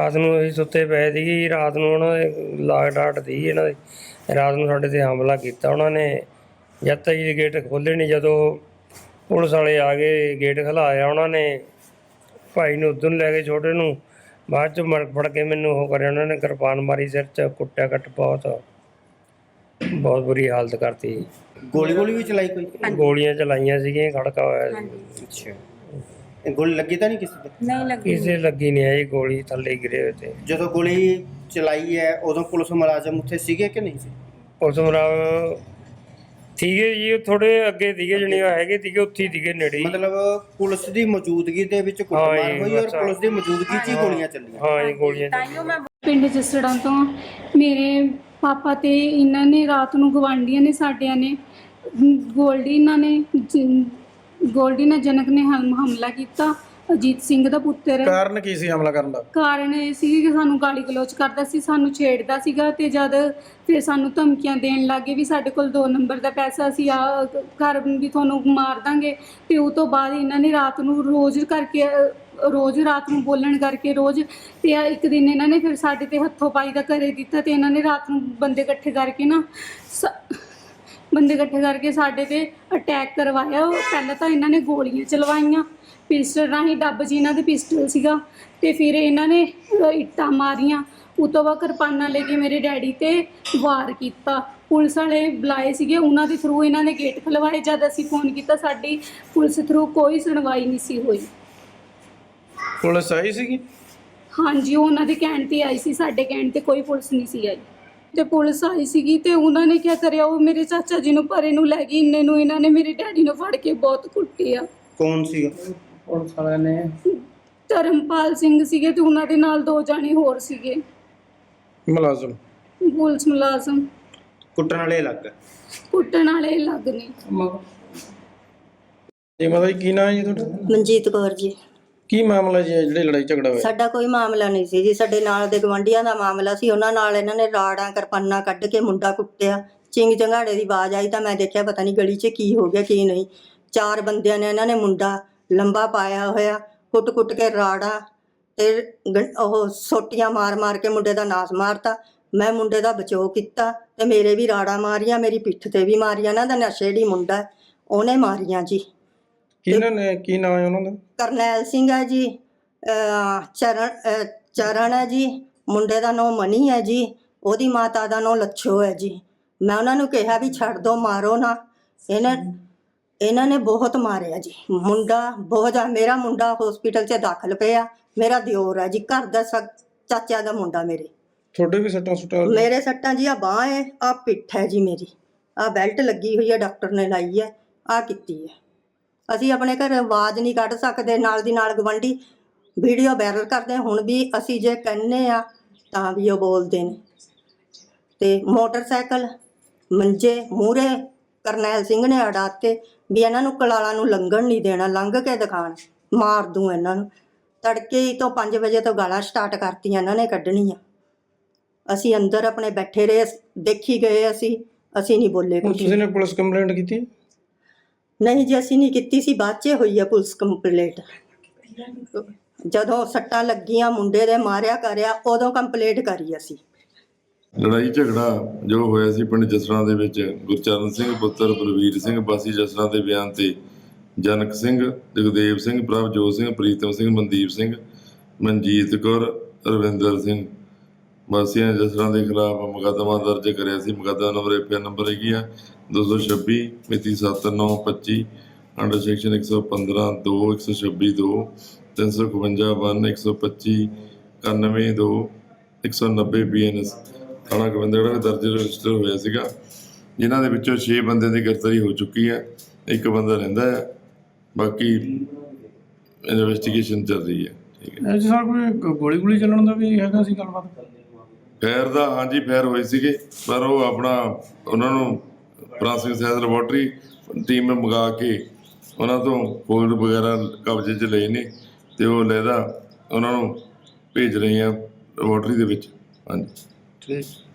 ਰਾਤ ਨੂੰ ਅਸੀਂ ਸੁੱਤੇ ਪਏ ਸੀਗੇ। ਰਾਤ ਨੂੰ ਉਹਨਾਂ ਦੇ ਲਾਗ ਡਾਟ ਸੀ ਇਹਨਾਂ ਦੇ। ਰਾਤ ਨੂੰ ਸਾਡੇ 'ਤੇ ਹਮਲਾ ਕੀਤਾ ਉਹਨਾਂ ਨੇ। ਜਦ ਤੱਕ ਜੀ ਗੇਟ ਖੋਲ੍ਹੇ ਨਹੀਂ, ਜਦੋਂ ਪੁਲਿਸ ਵਾਲੇ ਆ ਗਏ ਗੇਟ ਖੁਲਾਇਆ ਉਹਨਾਂ ਨੇ। ਭਾਈ ਨੂੰ ਉੱਧਰ ਨੂੰ ਲੈ ਗਏ, ਛੋਟੇ ਨੂੰ। ਬਾਅਦ 'ਚ ਫੜ ਕੇ ਮੈਨੂੰ ਉਹ ਕਰਿਆ ਉਹਨਾਂ ਨੇ, ਕਿਰਪਾਨ ਮਾਰੀ ਸਿਰ 'ਚ, ਕੁੱਟਿਆ ਕੱਟ ਬਹੁਤ ਬੁਰੀ ਹਾਲਤ ਕਰਤੀ। ਗੋਲੀ ਵੀ ਚਲਾਈ ਕੋਈ? ਗੋਲੀਆਂ ਚਲਾਈਆਂ ਸੀਗੀਆਂ, ਖੜਕਾ ਹੋਇਆ ਸੀ। ਅੱਛਾ, ਗੋਲੀ ਲੱਗੀ ਤਾਂ ਨਹੀਂ ਕਿਸੇ ਤੇ? ਨਹੀਂ ਲੱਗੀ, ਕਿਸੇ ਲੱਗੀ ਨਹੀਂ ਆਈ ਗੋਲੀ, ਥੱਲੇ ਗਿਰੇ ਹੋਏ ਤੇ। ਜਦੋਂ ਗੋਲੀ ਚਲਾਈ ਹੈ ਉਦੋਂ ਪੁਲਿਸ ਮੁਲਾਜ਼ਮ ਉੱਥੇ ਸੀਗੇ ਕਿ ਨਹੀਂ ਸੀ? ਪੁਲਿਸ ਮੁਲਾਜ਼ਮ ਸੀਗੇ ਜੀ, ਥੋੜੇ ਅੱਗੇ ਸੀਗੇ, ਜਣੇ ਹੈਗੇ ਸੀਗੇ, ਉੱਥੇ ਹੀ ਸੀਗੇ ਨੇੜੇ। ਮਤਲਬ ਪੁਲਿਸ ਦੀ ਮੌਜੂਦਗੀ ਦੇ ਵਿੱਚ ਕੁੱਟਮਾਰ ਹੋਈ ਔਰ ਪੁਲਿਸ ਦੀ ਮੌਜੂਦਗੀ 'ਚ ਹੀ ਗੋਲੀਆਂ ਚੱਲੀਆਂ? ਹਾਂ ਜੀ, ਗੋਲੀਆਂ ਤਾਈਓ ਮੈਂ ਪਿੰਡ ਜਸੜਾਂ ਤੋਂ ਮੇਰੇ ਪਾਪਾ ਤੇ ਇਹਨਾਂ ਨੇ ਰਾਤ ਨੂੰ ਗਵਾਂਢੀਆਂ ਨੇ ਸਾਡਿਆਂ ਨੇ ਗੋਲਡੀ ਨਾਲ ਜਨਕ ਨੇ ਹਮਲਾ ਕੀਤਾ। ਅਜੀਤ ਸਿੰਘ ਦਾ ਪੁੱਤਰ। ਕਾਰਨ ਕੀ ਸੀ ਹਮਲਾ ਕਰਨ ਦਾ? ਕਾਰਨ ਇਹ ਸੀ ਕਿ ਸਾਨੂੰ ਗਾਲੀ ਗਲੋਚ ਕਰਦਾ ਸੀ, ਸਾਨੂੰ ਛੇੜਦਾ ਸੀਗਾ ਤੇ ਜਦ ਫਿਰ ਸਾਨੂੰ ਧਮਕੀਆਂ ਦੇਣ ਲੱਗੇ ਵੀ ਸਾਡੇ ਕੋਲ 2 ਨੰਬਰ ਦਾ ਪੈਸਾ ਸੀ, ਆ ਘਰ ਵੀ ਤੁਹਾਨੂੰ ਮਾਰ ਦਾਂਗੇ। ਤੇ ਉਹ ਤੋਂ ਬਾਅਦ ਇਹਨਾਂ ਨੇ ਰਾਤ ਨੂੰ ਰੋਜ਼ ਰਾਤ ਨੂੰ ਬੋਲਣ ਕਰਕੇ ਰੋਜ਼। ਤੇ ਇੱਕ ਦਿਨ ਇਹਨਾਂ ਨੇ ਫਿਰ ਸਾਡੇ ਤੇ ਹੱਥੋਂ ਪਾਈ ਦਾ ਘਰੇ ਦਿੱਤਾ ਤੇ ਇਹਨਾਂ ਨੇ ਰਾਤ ਨੂੰ ਬੰਦੇ ਇਕੱਠੇ ਕਰਕੇ ਸਾਡੇ ਤੇ ਅਟੈਕ ਕਰਵਾਇਆ। ਪਹਿਲਾਂ ਤਾਂ ਇਹਨਾਂ ਨੇ ਗੋਲੀਆਂ ਚਲਵਾਈਆਂ ਪਿਸਟਲ ਰਾਹੀਂ, ਡੱਬ ਜੀ ਇਹਨਾਂ ਦੇ ਪਿਸਟਲ ਸੀਗਾ। ਤੇ ਫਿਰ ਇਹਨਾਂ ਨੇ ਇੱਟਾਂ ਮਾਰੀਆਂ। ਉਹ ਤੋਂ ਬਾਅਦ ਕਿਰਪਾਨਾਂ ਲੈ ਕੇ ਮੇਰੇ ਡੈਡੀ ਤੇ ਵਾਰ ਕੀਤਾ। ਪੁਲਿਸ ਵਾਲੇ ਬੁਲਾਏ ਸੀਗੇ, ਉਹਨਾਂ ਦੇ ਥਰੂ ਇਹਨਾਂ ਨੇ ਗੇਟ ਖੁਲਵਾਏ। ਜਦ ਅਸੀਂ ਫੋਨ ਕੀਤਾ ਸਾਡੀ ਪੁਲਿਸ ਥਰੂ ਕੋਈ ਸੁਣਵਾਈ ਨਹੀਂ ਸੀ ਹੋਈ। ਪੁਲਿਸ ਆਈ ਸੀਗੀ? ਹਾਂਜੀ, ਉਹਨਾਂ ਦੇ ਕਹਿਣ 'ਤੇ ਆਈ ਸੀ, ਸਾਡੇ ਕਹਿਣ 'ਤੇ ਕੋਈ ਪੁਲਿਸ ਨਹੀਂ ਸੀ ਆਈ। ਤੇ ਪੁਲਿਸ ਆਈ ਸੀਗੀ ਤੇ ਉਹਨਾਂ ਨੇ ਕੀ ਕਰਿਆ, ਉਹ ਮੇਰੇ ਚਾਚਾ ਜੀ ਨੂੰ ਪਰੇ ਨੂੰ ਲੈ ਗਈ। ਇੰਨੇ ਨੂੰ ਇਹਨਾਂ ਨੇ ਮੇਰੇ ਡੈਡੀ ਨੂੰ ਫੜ ਕੇ ਬਹੁਤ ਕੁੱਟਿਆ। ਕੌਣ ਸੀਗਾ? ਪੁਲਿਸ ਵਾਲਿਆਂ ਨੇ? ਧਰਮਪਾਲ ਸਿੰਘ ਸੀਗੇ ਤੇ ਉਹਨਾਂ ਦੇ ਨਾਲ 2 ਜਾਣੇ ਹੋਰ ਸੀਗੇ ਮੁਲਾਜ਼ਮ, ਪੁਲਿਸ ਮੁਲਾਜ਼ਮ। ਕੁੱਟਣ ਵਾਲੇ ਅਲੱਗ? ਕੁੱਟਣ ਵਾਲੇ ਅਲੱਗ ਨੇ। ਜੀ ਮਾਤਾ ਜੀ, ਕੀ ਨਾਮ ਹੈ ਜੀ ਤੁਹਾਡਾ? ਮਨਜੀਤ ਕੌਰ ਜੀ। ਕੀ ਮਾਮਲਾ ਜੀ ਜਿਹੜੇ ਲੜਾਈ ਝਗੜਾ ਹੋਇਆ? ਸਾਡਾ ਕੋਈ ਮਾਮਲਾ ਨਹੀਂ ਸੀ ਜੀ, ਸਾਡੇ ਨਾਲ ਦੇ ਗਵਾਂਢੀਆਂ ਦਾ ਮਾਮਲਾ ਸੀ। ਉਹਨਾਂ ਨਾਲ ਇਹਨਾਂ ਨੇ ਰਾੜਾਂ ਕਿਰਪਾਨਾਂ ਕੱਢ ਕੇ ਮੁੰਡਾ ਕੁੱਟਿਆ। ਚਿੰਗ ਚੰਗਾੜੇ ਦੀ ਆਵਾਜ਼ ਆਈ ਤਾਂ ਮੈਂ ਦੇਖਿਆ ਪਤਾ ਨਹੀਂ ਗਲੀ 'ਚ ਕੀ ਹੋ ਗਿਆ ਕੀ ਨਹੀਂ। 4 ਬੰਦਿਆਂ ਨੇ ਇਹਨਾਂ ਨੇ ਮੁੰਡਾ ਲੰਬਾ ਪਾਇਆ ਹੋਇਆ, ਕੁੱਟ ਕੇ ਰਾੜਾਂ ਤੇ ਉਹ ਸੋਟੀਆਂ ਮਾਰ ਕੇ ਮੁੰਡੇ ਦਾ ਨਾਸ ਮਾਰਤਾ। ਮੈਂ ਮੁੰਡੇ ਦਾ ਬਚਾਓ ਕੀਤਾ ਤੇ ਮੇਰੇ ਵੀ ਰਾੜਾਂ ਮਾਰੀਆਂ, ਮੇਰੀ ਪਿੱਠ ਤੇ ਵੀ ਮਾਰੀਆਂ। ਇਹਨਾਂ ਦਾ ਨਸ਼ੇੜੀ ਮੁੰਡਾ, ਉਹਨੇ ਮਾਰੀਆਂ ਜੀ। ਕਿਹਨਾਂ ਨੇ, ਕੀ ਨਾਮ ਹੈ ਉਹਨਾਂ ਦਾ? ਕਰਨੈਲ ਸਿੰਘ ਹੈ ਜੀ, ਚਰਨ ਹੈ ਜੀ, ਮੁੰਡੇ ਦਾ ਨਾਂ ਮਨੀ ਹੈ ਜੀ, ਉਹਦੀ ਮਾਤਾ ਦਾ ਨਾਂ ਲੱਛੋ ਹੈ ਜੀ। ਮੈਂ ਉਹਨਾਂ ਨੂੰ ਕਿਹਾ ਵੀ ਛੱਡ ਦੋ, ਮਾਰੋ ਨਾ। ਇਹਨਾਂ ਨੇ ਬਹੁਤ ਮਾਰਿਆ ਜੀ ਮੁੰਡਾ, ਬਹੁਤ ਜ਼ਿਆਦਾ। ਮੇਰਾ ਮੁੰਡਾ ਹਸਪੀਟਲ 'ਚ ਦਾਖਲ ਪਿਆ। ਮੇਰਾ ਦਿਓਰ ਹੈ ਜੀ, ਘਰ ਦਾ ਚਾਚਾ ਦਾ ਮੁੰਡਾ। ਤੁਹਾਡੇ ਵੀ ਸੱਟਾਂ ਸੁੱਟਾਂ? ਮੇਰੇ ਸੱਟਾਂ ਜੀ, ਆ ਬਾਂਹ ਹੈ, ਆ ਪਿੱਠ ਹੈ ਜੀ ਮੇਰੀ, ਆ ਬੈਲਟ ਲੱਗੀ ਹੋਈ ਹੈ, ਡਾਕਟਰ ਨੇ ਲਾਈ ਹੈ, ਆ ਕੀਤੀ ਹੈ। ਅਸੀਂ ਆਪਣੇ ਘਰ ਆਵਾਜ਼ ਨਹੀਂ ਕੱਢ ਸਕਦੇ, ਨਾਲ ਦੀ ਨਾਲ ਗਵਾਂਢੀ ਵੀਡੀਓ ਵਾਇਰਲ ਕਰਦੇ। ਹੁਣ ਵੀ ਅਸੀਂ ਜੇ ਕਹਿੰਦੇ ਆ ਤਾਂ ਵੀ ਉਹ ਬੋਲਦੇ ਨੇ। ਤੇ ਮੋਟਰਸਾਈਕਲ ਮੰਜੇ ਮੂਹਰੇ ਕਰਨੈਲ ਸਿੰਘ ਨੇ ਅੜਾਤੇ ਵੀ ਇਹਨਾਂ ਨੂੰ ਕਲਾਲਾਂ ਨੂੰ ਲੰਘਣ ਨਹੀਂ ਦੇਣਾ, ਲੰਘ ਕੇ ਦਿਖਾਣ, ਮਾਰ ਦੂੰ ਇਹਨਾਂ ਨੂੰ। ਤੜਕੇ ਹੀ ਤੋਂ 5 ਵਜੇ ਤੋਂ ਗਾਲਾਂ ਸਟਾਰਟ ਕਰਤੀਆਂ ਇਹਨਾਂ ਨੇ ਕੱਢਣੀਆਂ। ਅਸੀਂ ਅੰਦਰ ਆਪਣੇ ਬੈਠੇ ਰਹੇ, ਦੇਖੀ ਗਏ। ਅਸੀਂ ਨਹੀਂ ਬੋਲੇ ਕੁਝ। ਤੁਸੀਂ ਨੇ ਪੁਲਿਸ ਕੰਪਲੇਂਟ ਕੀਤੀ? ਨਹੀਂ ਜੀ, ਅਸੀਂ ਨਹੀਂ ਕੀਤੀ ਸੀ, ਬਾਅਦ 'ਚ ਹੋਈ ਹੈ ਪੁਲਿਸ ਕੰਪਲੇਂਟ। ਜਦੋਂ ਸੱਟਾਂ ਲੱਗੀਆਂ ਮੁੰਡੇ ਦੇ ਮਾਰਿਆ ਕਰਿਆ, ਉਦੋਂ ਕੰਪਲੇਂਟ ਕਰੀ ਅਸੀਂ। ਲੜਾਈ ਝਗੜਾ ਜੋ ਹੋਇਆ ਸੀ ਪਿੰਡ ਜਸੜਾਂ ਦੇ ਵਿੱਚ, ਗੁਰਚਰਨ ਸਿੰਘ ਪੁੱਤਰ ਬਲਵੀਰ ਸਿੰਘ ਵਾਸੀ ਜਸੜਾਂ ਦੇ ਬਿਆਨ ਤੇ ਜਨਕ ਸਿੰਘ, ਜਗਦੇਵ ਸਿੰਘ, ਪ੍ਰਭਜੋਤ ਸਿੰਘ, ਪ੍ਰੀਤਮ ਸਿੰਘ, ਮਨਦੀਪ ਸਿੰਘ, ਮਨਜੀਤ ਕੌਰ, ਰਵਿੰਦਰ ਸਿੰਘ ਵਾਸੀਆਂ ਜਸੜਾਂ ਦੇ ਖਿਲਾਫ ਮੁਕੱਦਮਾ ਦਰਜ ਕਰਿਆ ਸੀ। ਮੁਕੱਦਮਾ ਨੰਬਰ FIR ਨੰਬਰ ਹੈਗੀ ਆ 226 ਮਿਤੀ 7/9/25 ਅੰਡਰ ਸੈਕਸ਼ਨ 115(2), 126(2), 351(1), 125, 91(2), 190 BNS ਥਾਣਾ ਗੋਬਿੰਦਗੜ੍ਹ ਵਿੱਚ ਦਰਜ ਰਜਿਸਟਰ ਹੋਇਆ ਸੀਗਾ, ਜਿਨ੍ਹਾਂ ਦੇ ਵਿੱਚੋਂ 6 ਬੰਦਿਆਂ ਦੀ ਗ੍ਰਿਫਤਾਰੀ ਹੋ ਚੁੱਕੀ ਹੈ। 1 ਬੰਦਾ ਰਹਿੰਦਾ ਹੈ, ਬਾਕੀ ਇਨਵੈਸਟੀਗੇਸ਼ਨ ਚੱਲ ਰਹੀ ਹੈ। ਠੀਕ ਹੈ ਜੀ ਸਰ, ਕੋਈ ਗੋਲੀ ਚੱਲਣ ਦਾ ਵੀ ਹੈਗਾ ਸੀ ਗੱਲਬਾਤ? ਫਾਇਰ ਦਾ ਹਾਂਜੀ ਫਾਇਰ ਹੋਏ ਸੀਗੇ, ਪਰ ਉਹ ਆਪਣਾ ਉਹਨਾਂ ਨੂੰ ਫਰਾਂਸਿਕ ਸਾਇੰਸ ਲੈਬੋਰਟਰੀ ਟੀਮ ਮੰਗਾ ਕੇ ਉਹਨਾਂ ਤੋਂ ਫੋਲਡ ਵਗੈਰਾ ਕਬਜ਼ੇ 'ਚ ਲਏ ਨੇ ਤੇ ਉਹ ਲਹਿਦਾ ਉਹਨਾਂ ਨੂੰ ਭੇਜ ਰਹੇ ਆ ਲੈਬੋਰਟਰੀ ਦੇ ਵਿੱਚ। ਹਾਂਜੀ ਠੀਕ।